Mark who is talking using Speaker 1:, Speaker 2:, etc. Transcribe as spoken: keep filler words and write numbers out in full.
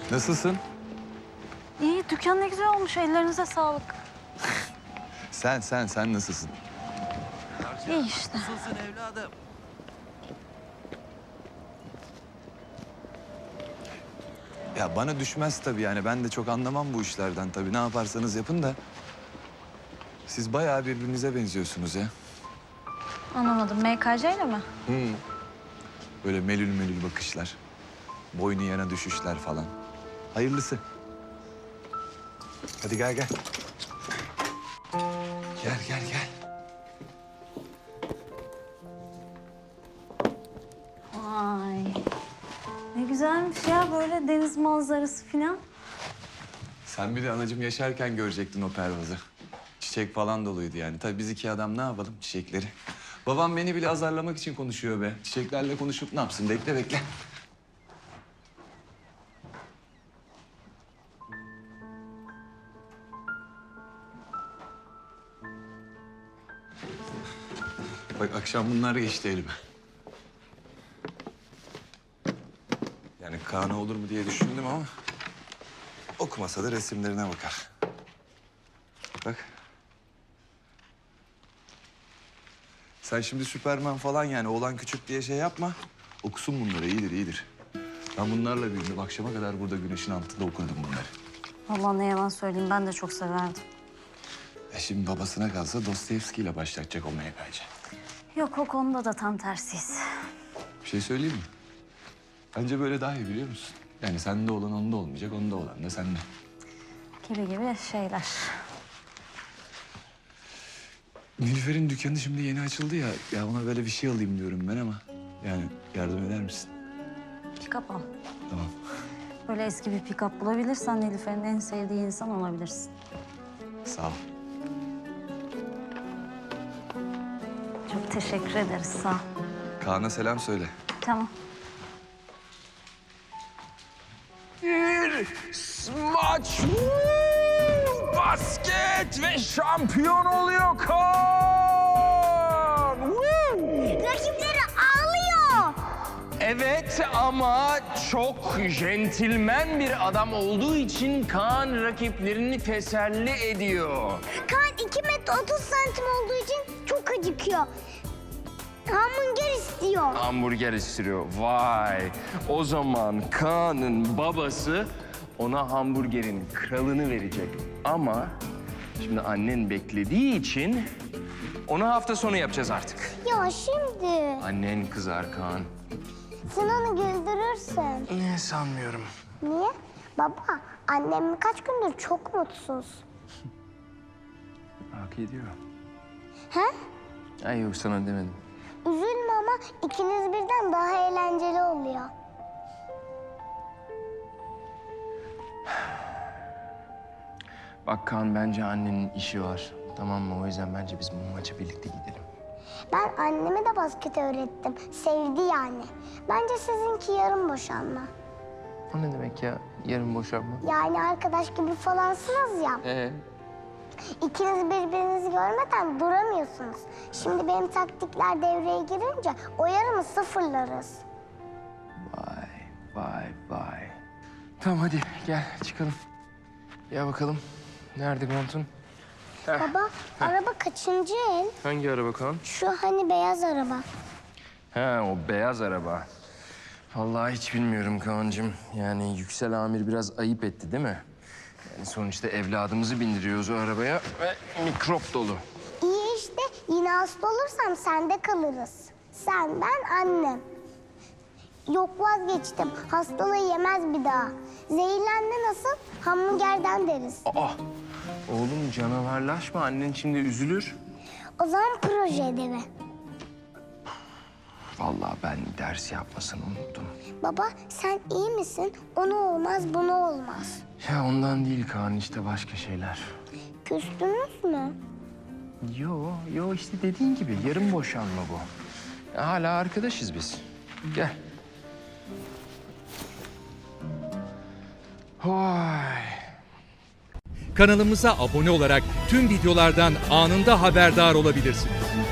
Speaker 1: Nasılsın?
Speaker 2: İyi, dükkan ne güzel olmuş. Ellerinize sağlık.
Speaker 1: Sen, sen, sen nasılsın?
Speaker 2: İyi işte.
Speaker 3: Nasılsın evladım?
Speaker 1: Ya bana düşmez tabii yani. Ben de çok anlamam bu işlerden tabii. Ne yaparsanız yapın da. Siz bayağı birbirinize benziyorsunuz ya.
Speaker 2: Anlamadım. M K C ile mi?
Speaker 1: Hı. Böyle melül melül bakışlar. Boynu yana düşüşler falan. Hayırlısı. Hadi gel gel. Gel gel gel.
Speaker 2: Vay. Ne güzelmiş ya böyle deniz manzarası falan.
Speaker 1: Sen bir de anacığım yaşarken görecektin o pervazı. Çiçek falan doluydu yani. Tabii biz iki adam ne yapalım çiçekleri. Babam beni bile azarlamak için konuşuyor be. Çiçeklerle konuşup ne yapsın? Bekle bekle. Bak akşam bunlar geçti elime. Yani Kaan'a olur mu diye düşündüm ama... okumasa da resimlerine bakar. Bak. Sen şimdi Süperman falan yani oğlan küçük diye şey yapma. Okusun bunları iyidir iyidir. Ben bunlarla büyüdüm. Akşama kadar burada güneşin altında okudum bunları.
Speaker 2: Vallahi ne yalan söyleyeyim ben de çok severdim.
Speaker 1: E şimdi babasına kalsa Dostoyevski ile başlatacak o meyveci.
Speaker 2: Yok o konuda da tam tersiyiz.
Speaker 1: Bir şey söyleyeyim mi? Bence böyle daha iyi biliyor musun? Yani sende olan onda olmayacak, onda olan da sende.
Speaker 2: Gibi gibi şeyler.
Speaker 1: Nilüfer'in dükkanı şimdi yeni açıldı ya. Ya ona böyle bir şey alayım diyorum ben ama... yani yardım eder misin?
Speaker 2: Pick-up al.
Speaker 1: Tamam.
Speaker 2: Böyle eski bir pick-up bulabilirsen Nilüfer'in en sevdiği insan olabilirsin.
Speaker 1: Sağ ol.
Speaker 2: Çok teşekkür ederiz sağ ol.
Speaker 1: Kaan'a selam söyle.
Speaker 2: Tamam.
Speaker 4: Bir smaç, basket ve şampiyon oluyor Kaan.
Speaker 5: Rakipleri ağlıyor.
Speaker 4: Evet ama çok centilmen bir adam olduğu için Kaan rakiplerini teselli ediyor.
Speaker 5: Kaan iki metre otuz santim olduğu için çok acıkıyor. Hamburger istiyor.
Speaker 4: Hamburger istiyor. Vay. O zaman Kaan'ın babası ona hamburgerin kralını verecek. Ama şimdi annen beklediği için onu hafta sonu yapacağız artık.
Speaker 5: Ya şimdi
Speaker 4: Annen kızar Kaan.
Speaker 5: sen onu güldürürsün.
Speaker 4: Ne sanmıyorum.
Speaker 5: Niye? Baba, annem kaç gündür çok mutsuz.
Speaker 4: Hak ediyor.
Speaker 5: He?
Speaker 4: Ay yok sana demedim.
Speaker 5: Üzülme ama ikiniz birden daha eğlenceli oluyor.
Speaker 4: Bak Kaan bence annenin işi var. Tamam mı? O yüzden bence biz bu maça birlikte gidelim.
Speaker 5: Ben anneme de basket öğrettim. Sevdi yani. Bence sizinki yarım boşanma.
Speaker 4: O ne demek ya? Yarın boşanma.
Speaker 5: Yani arkadaş gibi falansınız ya.
Speaker 4: Ee?
Speaker 5: İkiniz birbirinizi görmeden duramıyorsunuz. Şimdi benim taktikler devreye girince o yarımı sıfırlarız.
Speaker 4: Vay, vay, vay. Tamam hadi gel çıkalım. Ya bakalım. Nerede montun?
Speaker 5: Baba, araba kaçıncı el?
Speaker 4: Hangi araba Kaan?
Speaker 5: Şu hani beyaz araba.
Speaker 4: Ha o beyaz araba. Vallahi hiç bilmiyorum Kaan'cığım. Yani Yüksel Amir biraz ayıp etti değil mi? Yani sonuçta evladımızı bindiriyoruz o arabaya ve mikrop dolu.
Speaker 5: İyi işte, yine hasta olursam sende kalırız. Sen, ben, annem. Yok vazgeçtim, hastalığı yemez bir daha. Zehirlendi nasıl? Hamburgerden deriz.
Speaker 4: Aa! Oğlum canavarlaşma. Annen şimdi üzülür.
Speaker 5: O zaman proje ödevi.
Speaker 4: Vallahi ben ders yapmasını unuttum.
Speaker 5: Baba, sen iyi misin? Onu olmaz, bunu olmaz.
Speaker 4: Ya ondan değil Kaan işte başka şeyler.
Speaker 5: Küstünüz mü?
Speaker 4: Yo, yo işte dediğin gibi yarım boşanma bu. Ya hala arkadaşız biz. Gel. Vay.
Speaker 6: Kanalımıza abone olarak tüm videolardan anında haberdar olabilirsiniz.